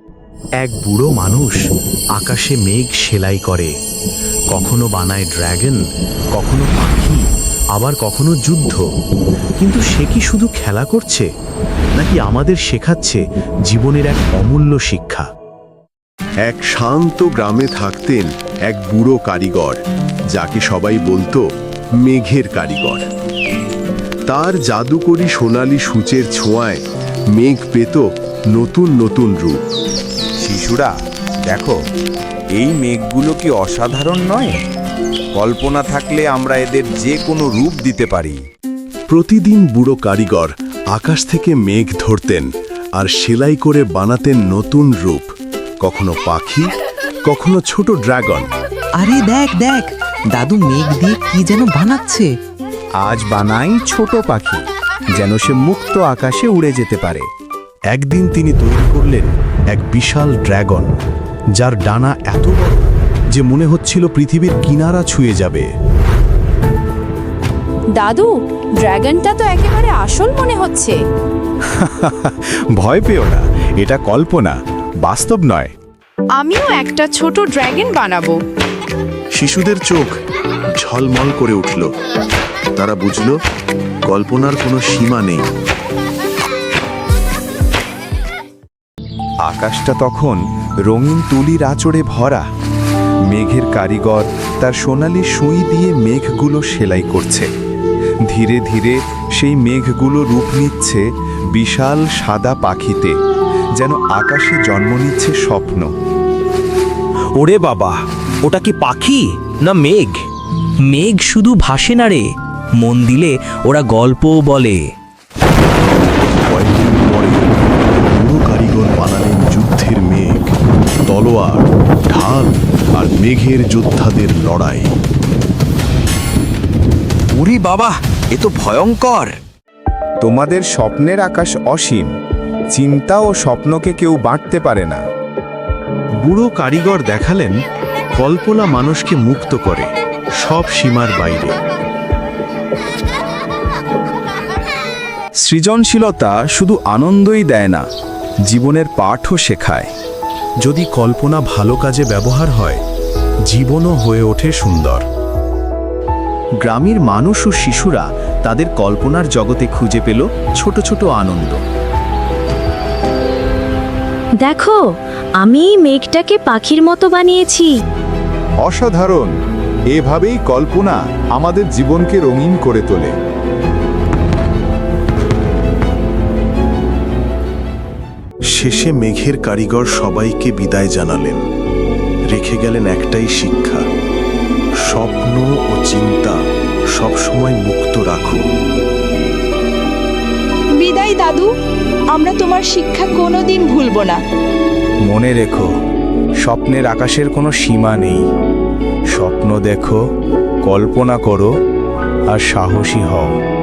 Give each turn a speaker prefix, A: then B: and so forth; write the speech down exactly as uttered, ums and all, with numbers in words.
A: এক বুড়ো মানুষ আকাশে মেঘ সেলাই করে, কখনো বানায় ড্রাগন, কখনো পাখি, আবার কখনো যুদ্ধ। কিন্তু সে কি শুধু খেলা করছে, নাকি আমাদের শেখাচ্ছে জীবনের এক অমূল্য শিক্ষা?
B: এক শান্ত গ্রামে থাকতেন এক বুড়ো কারিগর, যাকে সবাই বলতো মেঘের কারিগর। তার জাদুকরি সোনালি সূচের ছোঁয়ায় মেঘ পেত নতুন নতুন রূপ।
C: শিশুরা দেখো, এই মেঘগুলো কি অসাধারণ নয়? কল্পনা থাকলে আমরা এদের যে কোনো রূপ দিতে পারি।
B: প্রতিদিন বুড়ো কারিগর আকাশ থেকে মেঘ ধরতেন আর সেলাই করে বানাতেন নতুন রূপ, কখনো পাখি, কখনো ছোট ড্রাগন।
D: আরে দেখ দেখ, দাদু মেঘ দিয়ে কি যেন বানাচ্ছে।
C: আজ বানাই ছোট পাখি, যেন সে মুক্ত আকাশে উড়ে যেতে পারে।
A: একদিন তিনি তৈরি করলেন এক বিশাল ড্রাগন, যার ডানা এত বড় যে মনে হচ্ছিল পৃথিবীর কিনারা ছুঁয়ে যাবে।
E: দাদু, ড্রাগনটা তো একেবারে আসল মনে হচ্ছে।
C: ভয় পেও না, এটা কল্পনা, বাস্তব নয়।
E: আমিও একটা ছোট ড্রাগন বানাবো।
B: শিশুদের চোখ ঝলমল করে উঠল। তারা বুঝল কল্পনার কোনো সীমা নেই।
C: আকাশটা তখন রঙিন তুলির আঁচড়ে ভরা। মেঘের কারিগর তার সোনালি সুই দিয়ে মেঘগুলো সেলাই করছে। ধীরে ধীরে সেই মেঘগুলো রূপ নিচ্ছে বিশাল সাদা পাখিতে, যেন আকাশে জন্ম নিচ্ছে স্বপ্ন।
F: ওরে বাবা, ওটা কি পাখি না মেঘ? মেঘ শুধু ভাসে না রে, মন দিলে ওরা গল্পও বলে।
B: কয়েকদিন পরে বুড়ো কারিগর বানালেন যুদ্ধের মেঘ, তলোয়ার, ঢাল আর মেঘের যোদ্ধাদের লড়াই।
F: ওরে বাবা, এ তো ভয়ঙ্কর।
C: তোমাদের স্বপ্নের আকাশ অসীম, চিন্তা ও স্বপ্নকে কেউ বাঁটতে পারে না।
A: বুড়ো কারিগর দেখালেন কল্পনা মানুষকে মুক্ত করে সব সীমার বাইরে।
C: সৃজনশীলতা শুধু আনন্দই দেয় না, জীবনের পাঠও শেখায়।
A: যদি কল্পনা ভালো কাজে ব্যবহার হয়, জীবনও হয়ে ওঠে সুন্দর। গ্রামের মানুষ ও শিশুরা তাদের কল্পনার জগতে খুঁজে পেল ছোট ছোট আনন্দ।
G: দেখো, আমি এই মেঘটাকে পাখির মতো বানিয়েছি।
C: অসাধারণ! এভাবেই কল্পনা আমাদের জীবনকে রঙিন করে তোলে।
B: শেষে মেঘের কারিগর সবাইকে বিদায় জানালেন, রেখে গেলেন একটাই শিক্ষা: স্বপ্ন ও চিন্তা সবসময় মুক্ত রাখো।
E: বিদায় দাদু, আমরা তোমার শিক্ষা কোনোদিন ভুলবো না।
C: মনে রেখো, স্বপ্নের আকাশের কোনো সীমা নেই। স্বপ্ন দেখো, কল্পনা করো আর সাহসী হও।